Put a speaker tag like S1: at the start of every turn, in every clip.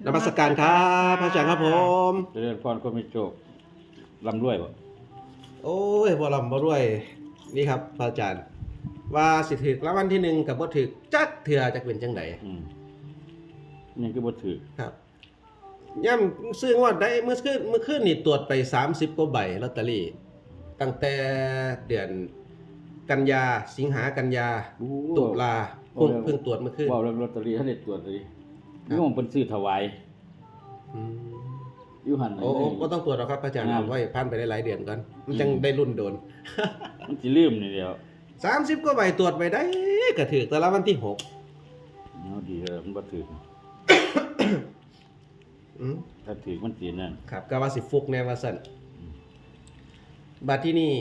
S1: นมัสการครับพระอาจารย์ครับผม
S2: เจริญพรก็มีโชคร่ำรวยบ่
S1: โอ้ยบ่ลำบ่รวยนี่ครับพระอาจารย์ว่าสิถึกรางวัลที่1กับบ่ถึกจักเทื่อจักเป็นจังได๋
S2: นี่คือบ่ถือ
S1: ครับย่ำซื้องวดได้เมื่อคืนนี่ตรวจไป30กว่าใบลอตเตอรี่ตั้งแต่เดือนกันยาสิงหากันยาตุลาเพิ่งตรวจเมื่อคืน
S2: เว้าเรื่องลอตเตอรี่ให้ได้ตรวจเลย
S1: ครับ
S2: โยมเพิ่นซื้อถวาย
S1: อืม
S2: อยู่หั่น
S1: โอ้บ่ต้องตรวจหรอกครับพระอาจารย์เอาไว้ผ่านไปได้หลายเดือนก่อนมันจังได้รุ่นโดน
S2: มันสิลืมนี่เดียว
S1: 30กว่าใบตรวจไปได้ก็ถึกแต่ละวันที่6
S2: เอาดีเด้อมันบ่ถือ
S1: อืม
S2: ถ้าถือมันสินั่น
S1: ครับก็ว่าสิฟุกแน่ว่าซั่นบัดที่นี่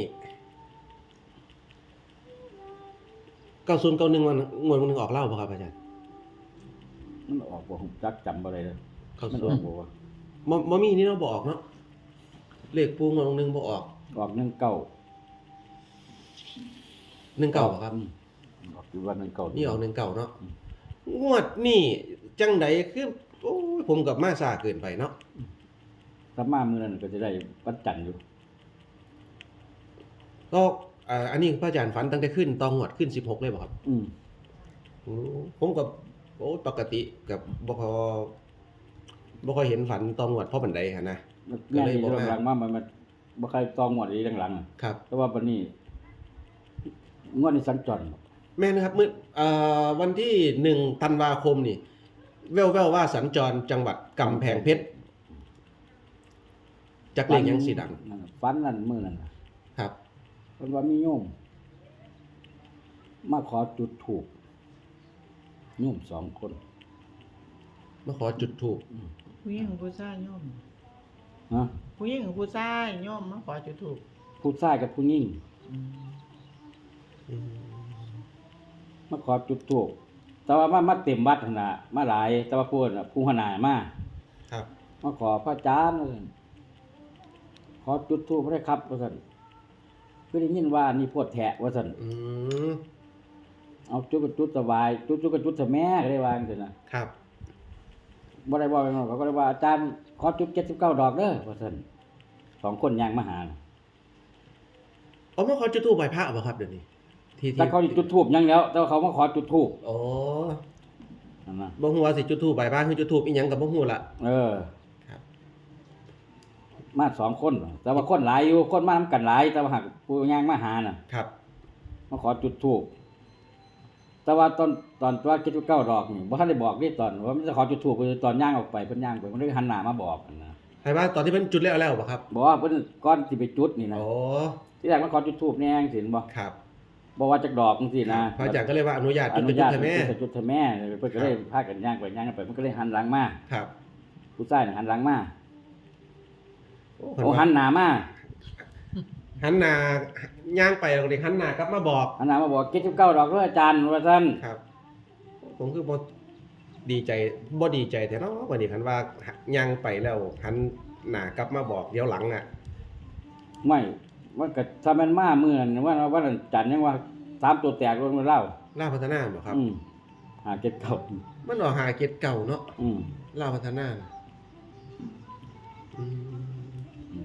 S1: 9091วันงวดนึงออกเล่าบ่ครับอาจารย์
S2: มันออกบ่ฮู้จักจำบ่ได้เด้อ
S1: เข้า
S2: มัน
S1: สู่
S2: ออกบ่วะ
S1: บ่มีนี่เราบ่ออกเนาะเลขปูงวดนึงบ่ออก
S2: ออก1 9
S1: 19บ่ครับ
S2: ออกอยู่วัน1 9
S1: นี่ออก19เนาะงวดนี่จังไดคือโอ้ยผมกับมาซ่าเกินไปเนาะ
S2: ถ้ามามื้อนั้นก็จะได้วันจันทร์อยู่
S1: ก็อันนี้พระอาจารย์ฝันตั้งแต่ขึ้นตองวดขึ้น16เลยบ่ครับ ผมกับโอ้ปกติกับบ่ค่อยเห็นฝันตองวดเพราะบันไดหั่นนะ ก็
S2: ก็
S1: เล
S2: เลย ย
S1: บ่
S2: บ่
S1: มา
S2: หลังมามันบ่ใครตองหมดอีหลังๆอะ
S1: ครับ
S2: แต่ว่าบัดนี้งวดนี้สัญจร
S1: แม่นะครับมื้อวันที่1ธันวาคมนี่แว่วๆว่าสัญจรจังหวัดกำแพงเพชรจักเลขยังสิดัง
S2: นั่นน่ะฝันนั่นมื้อนั้นน่ะ
S1: ครับ
S2: เพิ่นว่ามีโยมมาขอจุดธูปโยม2 คน
S1: มาขอจุดธูป
S3: ผู้หญิงผู้ชายโยม
S2: ฮะ
S3: ผู้หญิงผู้ชายโยมมาขอจุดธูป
S2: ผู้ชายกับผู้หญิง
S1: อืม
S2: มาขอจุดธูปแต่ว่ามาเต็มวัดหั่นน่ะมาหลายแต่ว่าผู้น่ะผู้หัวหน้ามา
S1: ครับ
S2: มาขอพระอาจารย์ว่าซั่นขอจุดธูปได้ครับว่าซั่นคือได้ยินว่านี่โพดแทะว่าซั่น
S1: อืม
S2: เอาจุดก็จุดสบายจุดก็จุดซะแม่ก็ได้ว่าจังซี่นะครับ บ่ได้ว่าไปนอกก็ได้ว่าอาจารย์ขอจุด79 ดอกเด้อว่าซั่น2 คนย่างมาหา
S1: เอามาขอจุดธูปไหว้พระบ่ครับเดี๋ยวนี้ที่
S2: แต่เขาจุดธูปยังแล้ว แต่ว่าเขามาขอจุดธูป
S1: โอ้
S2: นั่นนะ
S1: บ่ฮู้ว่าสิจุดธูปไหว้พระคือจุดธูปอีหยังก็บ่ฮู้ละ ครับ
S2: มา2 คน แต่ว่าคนหลายอยู่คนมานำกันหลาย แต่ว่าหากผู้ย่างมาหาน่ะ
S1: ครับ
S2: มาขอจุดธูปแต่ว่าตอนตัว79 ดอกนี่บ่ทันได้บอกนี่ตอนว่ามันจะขอจุดธูปคือตอนย่างออกไปเพิ่นย่างไปมันเลยหันหน้ามาบอกนะ
S1: ให้ว่าตอนที่เพิ่นจุดแล้วบ่ครับ
S2: บอกว่าเพิ่นก่อนสิไปจุดนี่นะ
S1: โอ้
S2: ที่แรกมาขอจุดธูปแน่จังซี่บ่
S1: ครับ
S2: บ่ว่าจักดอกจังซี่นะ
S1: พระอาจารย์ก็เลยว่าอนุญาต
S2: อ
S1: จุด
S2: นุ
S1: เป็นจุ
S2: ญา
S1: ด
S2: ต
S1: เถอะแม่
S2: จุดเถอะแม่เพิ่นก็เลยพากันย่างไปย่างกันไปมันก็เลยหันหลังมา
S1: ครับ
S2: ผู้ชายน่ะหันหลังมา
S1: โอ้
S2: โอ้หันหน้ามา
S1: หันหน้าย่างไปแล้วก็เลยหันหน้ากลับมาบอก
S2: หันหน้ามาบอก79 ดอกเด้ออาจารย์ว่าซั่น
S1: ครับ ผมคือบ่ดีใจบ่ดีใจแต่เนาะวันนี้คันว่าย่างไปแล้วหันหน้ากลับมาบอกเดี๋ยวหลังอ่ะ
S2: ไม่ว่าก็ถ้ามันมามื้อนั้นว่าวันจันทร์ยังว่า3 ตัวแตกรวมกันเล่า
S1: ลาวพัฒนาบ่ครับ
S2: หาเก็บเก่า
S1: มันออกหาเกตเก่าเนาะ
S2: อืม
S1: ลาวพัฒนาอืม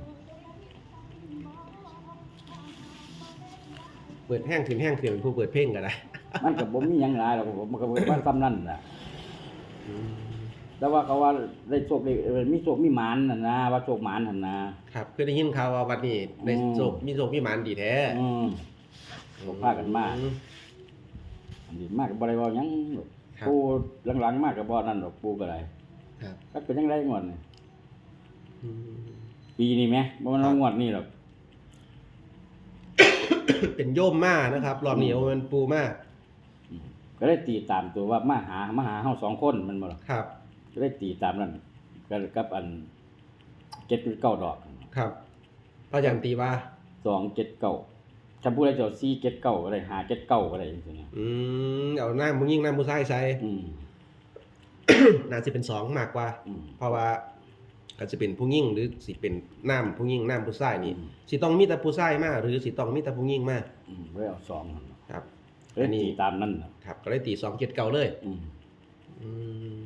S1: เปิดแห้งขึ้นเป็นผู้เปิดเพลงก็ได้
S2: มันก็บ่มีหยังหลายหรอกผมมันก็ว่าซ้ำนั่นน่ะ
S1: อืม
S2: แต่ว่าเขาว่าได้โชคได้มีโชคมีหมานน่ะนะว่าโชคหมานหั่นนะครับ
S1: คือได้ยินข่าวว่าวันนี้ได้โชคมีโชคมีหมานดีแท้
S2: พากันมา อันนี้มากก็บ่ได้เว้าหยังหรอก
S1: ครับ
S2: ปู่หลังๆมากก็บ่นั่นดอกปู่ก็ได้
S1: ครับ
S2: ก็เป็นจังได๋งวดนี่
S1: อืม
S2: ปีนี้แหมบ่มัน
S1: ครับ
S2: งวดนี้หรอก
S1: เป็นโยมมานะครับรอบนี้มันปูมา
S2: ก็ได้ตีตามตัวว่ามาหาเฮา2 คนแมันบ่ล่ะ
S1: ครับ
S2: ก็ได้ตีตามนั้นก็กับอัน79 ดอก
S1: ครับพระอาจารย์ตีว่า
S2: 279ถ้าผู้ใดเจ้า479ก็ได้579ก็ได้จังซี่นะ
S1: เอาหน้ามึงยิ่งหน้าผู้ชายใส่
S2: อืม
S1: น่าจะเป็น2มากกว่า
S2: อืม
S1: เพราะว่าก็จะเป็นผู้ยิ่งหรือสิเป็นน้ำผู้ยิ่งน้ำผู้ชายนี่
S2: อืม
S1: สิต้องมีแต่ผู้ชายมาหรือสิต้องมีแต่ผู้ยิ่งมา
S2: บ่ได้เอา2นั่น
S1: ครับ
S2: ก็ได้ตีตามนั้นน่ะ
S1: ครับก็เลยตี2 7 9เลย
S2: อืม
S1: อืม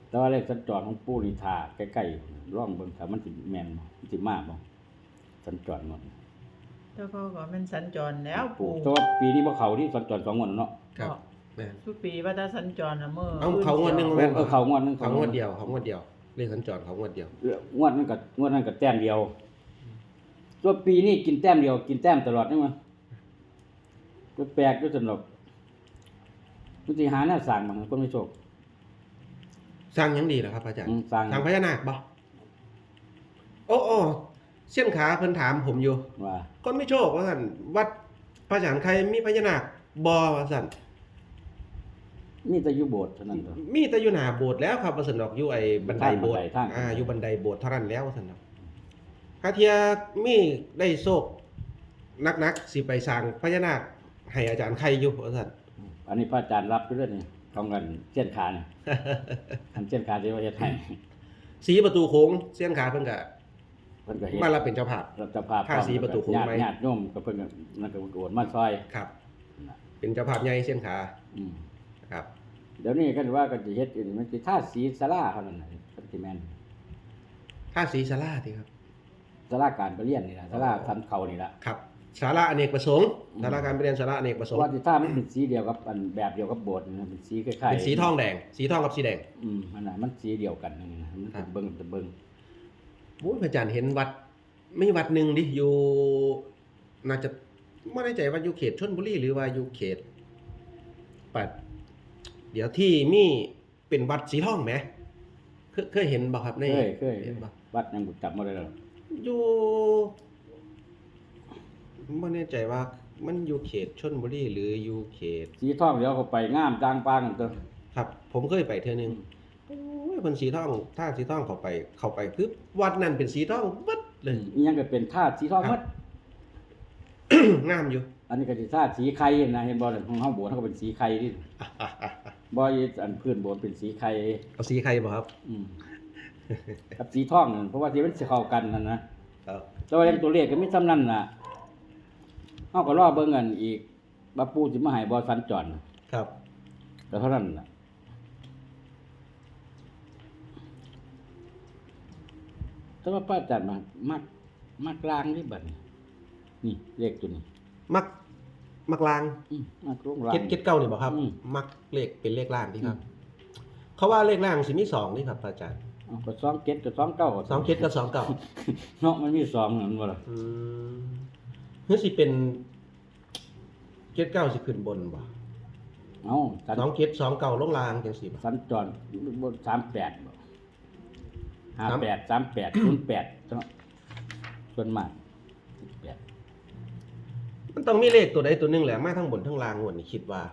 S2: แต่ว่าเลขสัญจรของปู่นี่ท่าใกล้ๆร่องเบิ่งถ้ามันสิแม่นบ่มันสิมาบ่สัญจรหมด
S3: แต่เขาก็แมันสัญจรแล้วปู่
S2: แต่ว่าปีนี้บ่เข้าที่สัญจร2งวดเนาะ
S1: ครับแม่น
S3: ทุกปีว่าถ้าสัญจรน่ะมื้อ
S1: เอาเขางวดหนึง
S2: เข้างวดนึง
S1: เขางวดเดียวเขางวดเดียวเลขสัญจรเขางวดเดียว
S2: งวดนั้นก็แต้มเดียวตัวปีนี้กินแต้มเดียวกินแต้มตลอดนี่มันก็แปลกด้วยสนุกมันสิหาแนวสร้างมันคนไม่โชค
S1: สร้างหยังดีเหรอครับอาจารย์
S2: สร้าง
S1: สร้างพญานาคบ่โอ้เส้นขาเพิ่นถามผมอยู่
S2: ว่า
S1: คนไม่โชคว่าซั่นวัดพระอาจารย์ใครมีพญานาคบ่ว่าซั่น
S2: มีแต่อยู่โบสถ์เท่านั้นเด้อ
S1: มีแต่อยู่หน้าโบสถ์แล้วครับว่าซั่นดอกอยู่ไอ้บันไดโบสถ์
S2: ทาง
S1: อยู่บันไดโบสถ์เท่านั้นแล้วว่าซั่นดอกถ้าเทียมีได้โชคนักๆสิไปสร้างพญานาคให้อาจารย์ใครอยู่ว่าซั่น
S2: อันนี้พระอาจารย์รับไปด้วยนี่ของกันเส้นขานี่ อันเส้นขาที่ว่าเฮ็ดให้
S1: สีประตูโค้งเส้นขาเพิ่นก็
S2: เพิ่นก็เฮ็ด
S1: มารับเป็นเจ้าภาพ
S2: รัฐภาพ
S1: ท่าสีประตูโค้งไหม
S2: ญาติโยมก็เพิ่นก็นั่นก็โอนมาซอย
S1: ครับ เป็นเจ้าภาพใหญ่เส้นขา
S2: อืม
S1: ครับ
S2: เดี๋ยวนี้ก็ว่าก็สิเฮ็ดอีกมันสิทาสีศาลาเท่านั้นน่ะมันสิแม่น
S1: ท่าสีศาลาที่ครับ
S2: ศาลาการประเรียนนี่ล่ะศาลาทำเขานี่ล่ะ
S1: ครับศาลาอเนกประสงค์ศาลาการเรียนศาลาอเนกประสงค์
S2: ว่าสิท่ามันเป็นสีเดียวกับอันแบบเดียวกับโบสถ์นะเป็นสีคล้ายๆ
S1: เป็นสีทองแดง สีทองกับสีแดง
S2: อันน่ะมันสีเดียวกันนั่นนะมัน
S1: ครับ
S2: เบิ่ง
S1: โอ้ยพระอาจารย์เห็นวัดไม่วัดหนึ่งดิอยู่น่าจะไม่แน่ใจว่าอยู่เขตชลบุรีหรือว่าอยู่เขตปัดเดี๋ยวที่มีเป็นวัดสีทองไหมเคยเห็นบ่ครับใน
S2: เคย
S1: เห็นบ่
S2: วัดยังบ่จำบ่ได้แล้ว
S1: อยู่ไม่แน่ใจว่ามันอยู่เขตชลบุรีหรืออยู่เขต
S2: สีทองเดี๋ยวเขาไปงามจางปางกันตัว
S1: ครับ ผมเคยไปเทื่อนึงโอ้ยคนสีทองถ้าสีทองเข้าไปคือวัดนั้นเป็นสีทองเบิดเลย
S2: อีหยังก็เป็นธาตุสีทองหมด
S1: งามอยู่
S2: อันนี้ก็สิธาตุสีไข่นะเห็นบ่ของเฮาโบสถ์เฮาก็เป็นสีไข่นี่บ่อีอันพื้นโบสถ์เป็นสีไข่
S1: เอาสีใครบ่ครับ
S2: กับสีทองนั่นเพราะว่าสีมันสิเข้ากันนั่นนะครับ แต่ว่าอย่างตัวเลขก็มีซ้ำนั้นน่ะเฮาก็รอเบิ่งกันอีกว่าปู่สิมาให้บ่สัญจร
S1: ครับ
S2: ก็เท่านั้นน่ะแต่ว่าพระอาจารย์มักลางนี่บัดนี้นี่เลขตัวนี้
S1: มักลาง
S2: มักลงลาง
S1: เก็ดเก้านี่บ่ครับ มักเลขเป็นเลขล่างที่ครับ เขาว่าเลขล่างสิมี2นี่ครับอาจารย์
S2: เอาก็27กับ29
S1: 2เก็ดกับ2เก้า
S2: เนาะมันมี2นั่นบ่ล่ะ
S1: หรือสิเป็นเก็ดเก้าสิขึ้นบนบ่
S2: เอ้าสัญ
S1: 2เก็ด2เก้าลงล่างจังซี่บ่
S2: สัญจรบน38บ่58 38 08เนาะส่วนมาก8
S1: มันต้องมีเลขตัวใดตัวหนึงแหละมาทั้งบนทั้งล่างงวดนี่คิดว่า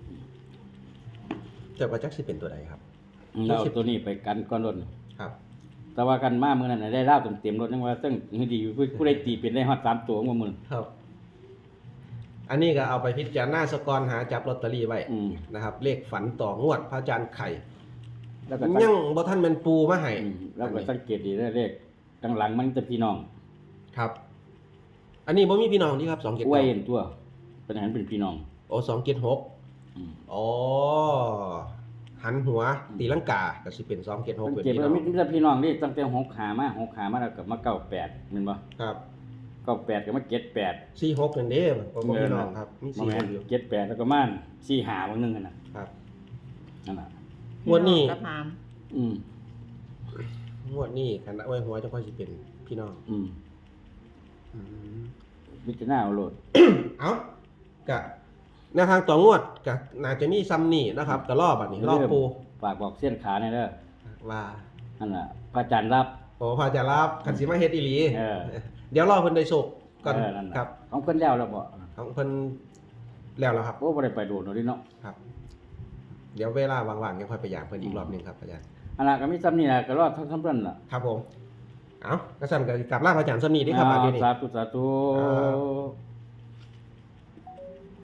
S1: แต่ว่าจักสิเป็นตัวใดครับ
S2: เราเอาตัวนี้ไปกันก่อนรถ
S1: ครับ
S2: แต่ว่ากันมามื้อนั้นน่ะได้ลาวเต็มๆรถยังว่าซึ่งดีอยู่ผู้ใดตีเป็นได้ฮอด3ตัวมื้อ
S1: ครับ อันนี้ก็เอาไปพิจารณาสกอนหาจับลอตเตอรี่ไว้นะครับ เลขฝันต่องวดพระอาจารย์ไข่
S2: แล้วก็
S1: ยังบ่ทันแม่นปูมาให้
S2: แล้วก็สังเกตดีได้เลขข้างหลังมันจะพี่น้อง
S1: ครับ อันนี้บ่มีพี่น้องนี่ครับ2 7
S2: ไว้เห็นตัวเป็นหันเป็นพี่น้อง
S1: โอ้2 7 6อ๋อหันหัวตีลังกาก็สิเป็น2 7 6
S2: มัน
S1: เป็น
S2: เก็บ
S1: พี่
S2: ไว้
S1: น้อง
S2: มีแต่พี่น้องนี่ตั้งแต่6หามาแล้วก็มา98แม่นบ่
S1: ครับ
S2: 98ก็มา78
S1: 4 6นั่นเด้บ่พี่น้องครับมี
S2: บ่แม่น
S1: 4อยู่
S2: 78แล้วก็มา4หาบางนึงนั่นน่ะ
S1: ครับ
S2: นั่นน่ะ
S1: งวดนี้
S3: กับหาม
S2: อืม
S1: งวดนี้คันไว้หัวจะค่อยสิเป็นพี่น้อง
S2: อืม
S1: อืม
S2: พิจารณาเอาโลด
S1: เอากะแนวทางต่องวดกะน่าจะมีซ้ำนี่นะครับก็รอบัดนี้รอปู
S2: ฝากบอกเส้นขาแน่เด้อ
S1: ว่า
S2: นั่นน่ะพระอาจารย์รับ
S1: โอ้พระอาจารย์รับคันสิมาเฮ็ดอีหลี
S2: เออ
S1: เดี๋ยวรอเพิ่นได้โชคก่อน
S2: นั่นน่ะ
S1: ครับ
S2: ของเพิ่นแล้วบ่
S1: ของเพิ่นแล้วครับ
S2: โอ้บ่ได้ไปโดดเนาะดิเนาะ
S1: ครับ เดี๋ยวเวลาว่างๆยังค่อยไปยามเพิ่นอีกรอบหนึงครับอาจารย์
S2: อันน่ะก็มีซ้ำนี่ล่ะก็รอดทั้งเพิ่นล่ะ
S1: ครับผม เอากระสั่นกับกลับลาพระอาจารย์ซ้ำนี้เด้ครับบัดนี้
S2: สาธุ
S1: ครับ